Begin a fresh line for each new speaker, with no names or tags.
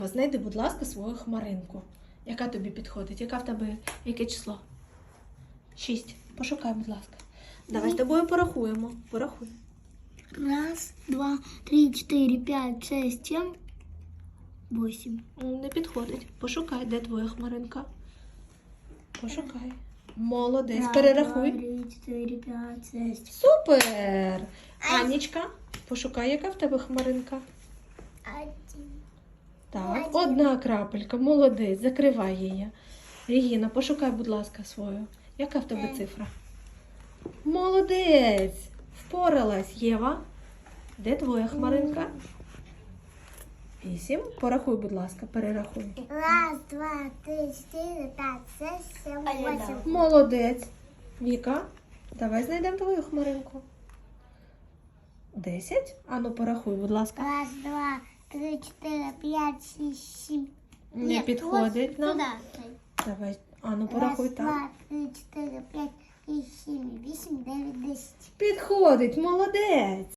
Знайди, будь ласка, свою хмаринку. Яка тобі підходить? Яка в тебе, яке число? 6. Пошукай, будь ласка. Давай з тобою порахуємо. Порахуй.
1, 2, 3, 4, 5, 6, 7, 8.
Не підходить. Пошукай, де твоя хмаринка. Пошукай. Молодець, перерахуй.
2, 3, 4, 5, 6.
Супер! Анічка, пошукай, яка в тебе хмаринка.
1.
Так, одна крапелька, молодець, закривай її. Регіна, пошукай, будь ласка, свою. Яка в тебе цифра? Молодець! Впоралась, Єва. Де твоя хмаринка? 8. Порахуй, будь ласка, перерахуй.
1, 2, 3, 4, 5, 6, 7, 8.
Молодець. Віка, давай знайдемо твою хмаринку. 10. Ану, порахуй, будь ласка.
1, 2, 3, 4, 5, 6, 7.
Не підходить нам.
Сюди.
Давай, ану, порахуй
1,
так.
2, 3, 4, 5, 6, 7, 8, 9, 10.
Підходить, молодець.